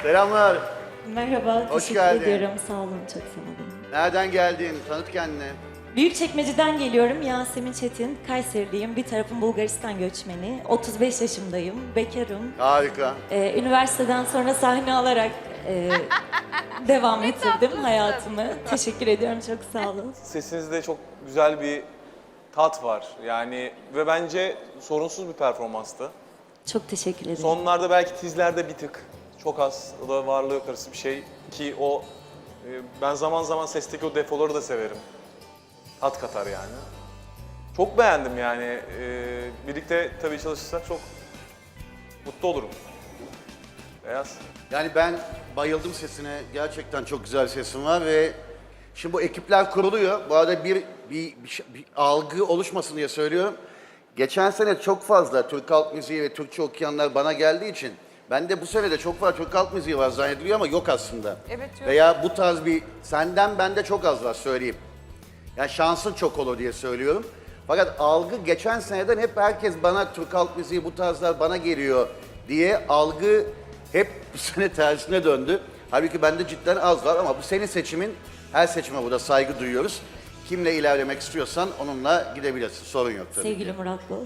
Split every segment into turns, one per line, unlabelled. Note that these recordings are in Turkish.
Selamlar.
Merhaba,
Hoş
teşekkür
geldin.
ediyorum. Sağ olun, çok sağ olun.
Nereden geldin? Tanıt kendini.
Büyükçekmece'den geliyorum. Yasemin Çetin, Kayseriliyim. Bir tarafım Bulgaristan göçmeni. 35 yaşındayım, bekarım.
Harika.
Üniversiteden sonra sahne alarak devam ettirdim hayatımı. Teşekkür ediyorum, çok sağ olun.
Sesinizde çok güzel bir tat var. Yani ve bence sorunsuz bir performanstı.
Çok teşekkür ederim.
Sonlarda belki tizlerde bir tık, çok az, o da varlığı yok arası bir şey ki o ben zaman zaman sesteki o defoları da severim. Tat katar yani. Çok beğendim yani. Birlikte tabii çalışırsak çok mutlu olurum. Beyaz.
Yani ben bayıldım sesine. Gerçekten çok güzel sesin var ve şimdi bu ekipler kuruluyor. Bu arada bir algı oluşmasın diye söylüyorum. Geçen sene çok fazla Türk halk müziği ve Türkçe okuyanlar bana geldiği için ben de bu sene de çok fazla Türk halk müziği var zannediliyor ama yok aslında.
Evet, yok.
Veya bu tarz bir senden bende çok az var söyleyeyim. Yani şansın çok olur diye söylüyorum. Fakat algı geçen seneden hep herkes bana Türk halk müziği bu tarzlar bana geliyor diye algı hep bu sene tersine döndü. Halbuki bende cidden az var ama bu senin seçimin. Her seçime burada saygı duyuyoruz. Kimle ilerlemek istiyorsan onunla gidebilirsin. Sorun yok tabii
Sevgili
ki.
Murat Boz.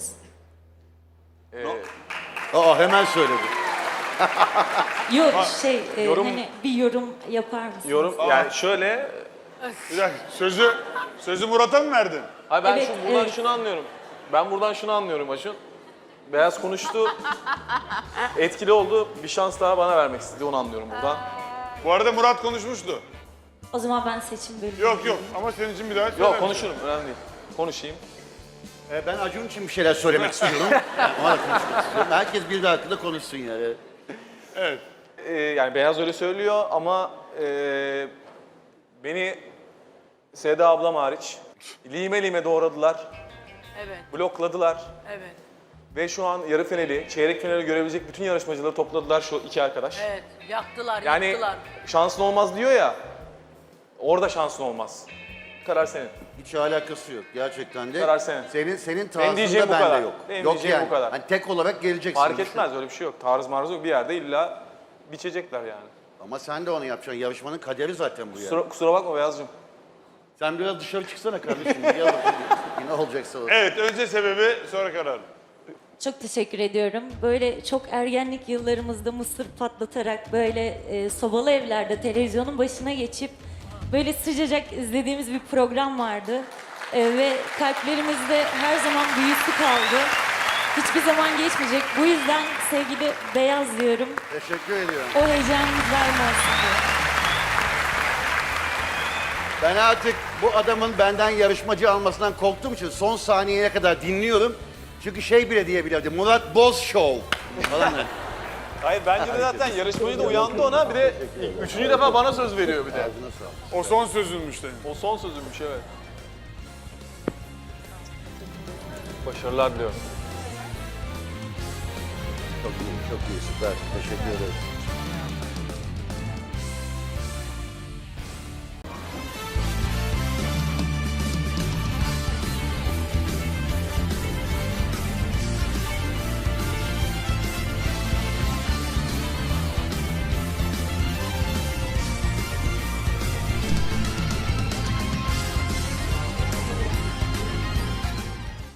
Aa hemen söyledi.
Yok
yorum-
hani bir yorum yapar mısınız?
Yorum yani şöyle,
Bir dakika, sözü Murat'a mı verdin?
hayır ben
Evet,
buradan
evet.
şunu anlıyorum. Ben buradan şunu anlıyorum Acun. Beyaz konuştu, etkili oldu. Bir şans daha bana vermek istedi, onu anlıyorum buradan.
Bu arada Murat konuşmuştu.
O zaman ben seçim bölümü.
Yok ama senin için bir daha söyler
Yok
misin?
konuşurum, önemli değil. Konuşayım.
Ben Acun için bir şeyler söylemek istiyorum. Ona da konuşmak istiyorum. Herkes bir de hakkında konuşsun yani.
Evet.
Yani Beyaz öyle söylüyor ama beni Seda ablam hariç lime lime doğradılar,
Evet,
blokladılar.
evet,
Ve şu an yarı finali, çeyrek finali görebilecek bütün yarışmacıları topladılar şu iki arkadaş.
evet. Yaktılar,
Yani
yaktılar.
şansın olmaz diyor ya, orada şansın olmaz. Karar senin.
Hiç alakası yok gerçekten de.
Karar senin.
Senin tarzında
diyeceğim bu
bende
kadar.
yok.
Benim
Yok
diyeceğim
yani.
bu kadar.
Hani tek olarak geleceksin.
Fark
düşün.
etmez, öyle bir şey yok. Tarz marz yok, bir yerde illa biçecekler yani.
Ama sen de onu yapacaksın. Yarışmanın kaderi zaten bu yani.
Kusura bakma Beyazcığım.
Sen biraz dışarı çıksana kardeşim. Gel bakayım. Yine olacaksa olur.
Evet, önce sebebi sonra karar.
Çok teşekkür ediyorum. Böyle çok ergenlik yıllarımızda mısır patlatarak böyle sobalı evlerde televizyonun başına geçip böyle sıcacık izlediğimiz bir program vardı. Ve kalplerimizde her zaman büyüsü kaldı. Hiçbir zaman geçmeyecek. Bu yüzden sevgili Beyaz diyorum.
Teşekkür ediyorum.
O heyecanınız daim olsun diye.
Ben artık bu adamın benden yarışmacı almasından korktuğum için son saniyeye kadar dinliyorum. Çünkü şey bile diyebilirdi. Murat Boz Show falan.
Hayır bence de zaten yarışmacı da uyandı ona, bir de üçüncü defa bana söz veriyor bir de.
Ağzına sağlık.
O son sözünmüş senin.
O son sözümmüş, evet. Başarılar diliyorum.
Çok iyi, çok iyi, süper. Teşekkür ederim.